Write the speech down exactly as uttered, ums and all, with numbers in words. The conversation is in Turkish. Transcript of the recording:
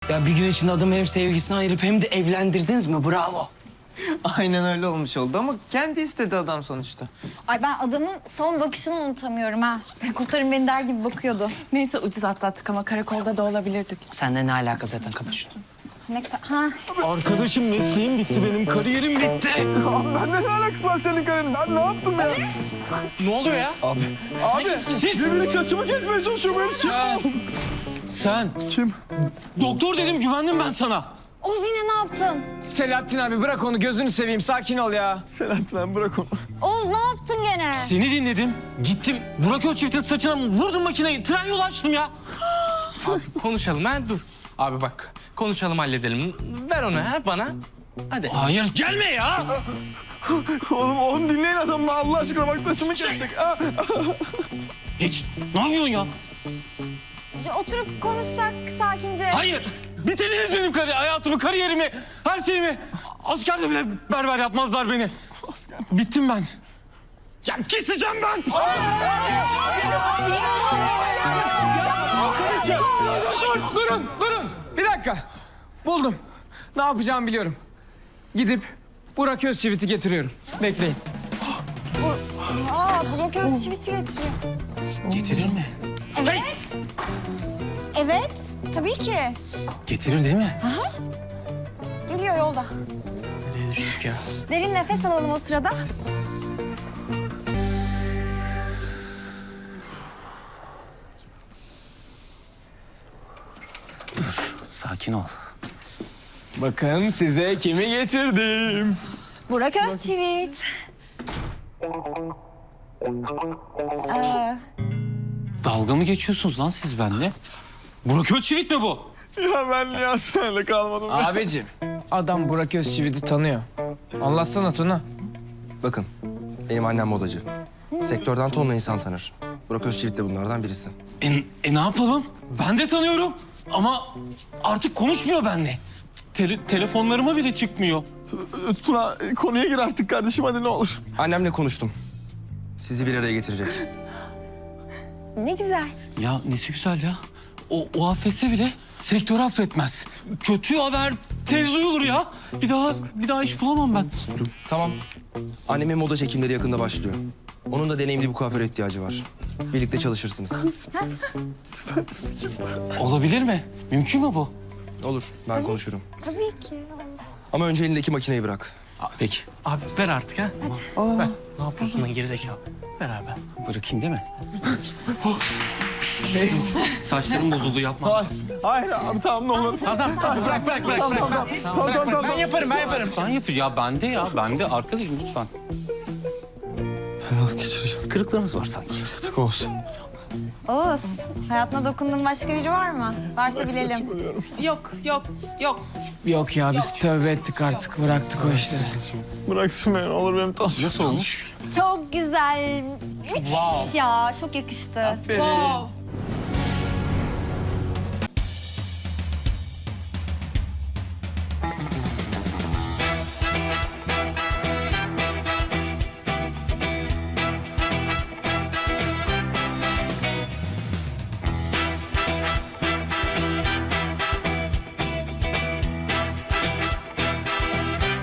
Ya bir gün içinde adamı hem sevgisine ayırıp hem de evlendirdiniz mi? Bravo. Aynen öyle olmuş oldu ama kendi istedi adam sonuçta. Ay ben adamın son bakışını unutamıyorum ha. Kurtarın beni der gibi bakıyordu. Neyse ucuz atlattık ama karakolda da olabilirdik. Sende ne alaka zaten, kapat şunu. Ne kadar... Ha. Arkadaşım mesleğim bitti benim, kariyerim bitti. Bende ne alakası var senin karının? Ben ne yaptım ya? Ne oluyor ya? Abi Siz... birbirini saçımı kesmeye çalışıyor benim. Sen... Sen... Kim? Doktor dedim, güvendim ben sana. Oğuz yine ne yaptın? Selahattin abi bırak onu, gözünü seveyim, sakin ol ya. Selahattin abi bırak onu. Oğuz ne yaptın gene? Seni dinledim, gittim Burak Özçift'in saçına vurdum makineyi, tren yolu açtım ya. Abi konuşalım ha, dur. Abi bak, konuşalım, halledelim. Ver onu ha bana. Hadi. Hayır, gelme ya. Oğlum oğlum dinleyin adamı Allah aşkına, bak saçımı kesecek. Ah, Geç, ne yapıyorsun ya? Oturup konuşsak sakince. Hayır, bitirdiniz benim kari hayatımı, kariyerimi, her şeyimi. Askerde bile berber yapmazlar beni. Bittim ben. Ya keseceğim ben. Dur, durun, durun. Bir dakika. Buldum. Ne yapacağımı biliyorum. Gidip Burak Özçivit'i getiriyorum. Bekleyin. Aa Burak Özçivit'i getiriyor. Getirir mi? Evet. Evet tabii ki. Getirir değil mi? Geliyor yolda. Nereye düştük ya? Derin nefes alalım o sırada. Dur, sakin ol. Bakın size kimi getirdim. Burak Özçivit. Ee, Dalga mı geçiyorsunuz lan siz benimle? Burak Özçivit mi bu? ya ben niye hastanede kalmadım? Abicim, adam Burak Özçivit'i tanıyor. Anlatsana Tuna. Bakın, benim annem modacı. Sektörden tonla insan tanır. Burak Özçivit de bunlardan birisi. E, e ne yapalım? Ben de tanıyorum. Ama artık konuşmuyor benimle. Tele, telefonlarıma bile çıkmıyor. Tuna konuya gir artık kardeşim, hadi ne olur. Annemle konuştum. Sizi bir araya getirecek. ne güzel. Ya nesi güzel ya. O, o affetse bile sektörü affetmez. Kötü haber tez duyulur ya. Bir daha bir daha iş bulamam ben. Tamam. Annemin moda çekimleri yakında başlıyor. Onun da deneyimli bir kuaföre ihtiyacı var. Birlikte çalışırsınız. Olabilir mi? Mümkün mü bu? Olur, ben konuşurum. Tabii ki. Ama önce elindeki makineyi bırak. Peki. Abi ver artık ha. Hadi. Ver. Ne yapıyorsun lan gerizekalı? Beraber. Bırakayım değil mi? Saçlarım bozuldu, yapma. Hayır, hayır abi tamam ne olur. Tamam, tamam. Bırak, bırak, bırak. Tamam, bırak. tamam, tamam, tamam, tamam. Ben yaparım, ben yaparım. Ben yapacağım. Ya bende ya. Bende. Arkadaşım lütfen. Fenalık geçireceğim. Kırıklarınız var sanki. Tak olsun. Oğuz, hayatına dokunduğun başka biri var mı? Varsa bilelim. Yok, yok, yok. Yok ya, biz tövbe ettik artık. Bıraktık o işleri. Bıraksın beni, ne olur benim tansiyonum. Nasıl olmuş? Çok güzel. Müthiş ya. Çok yakıştı. Wow.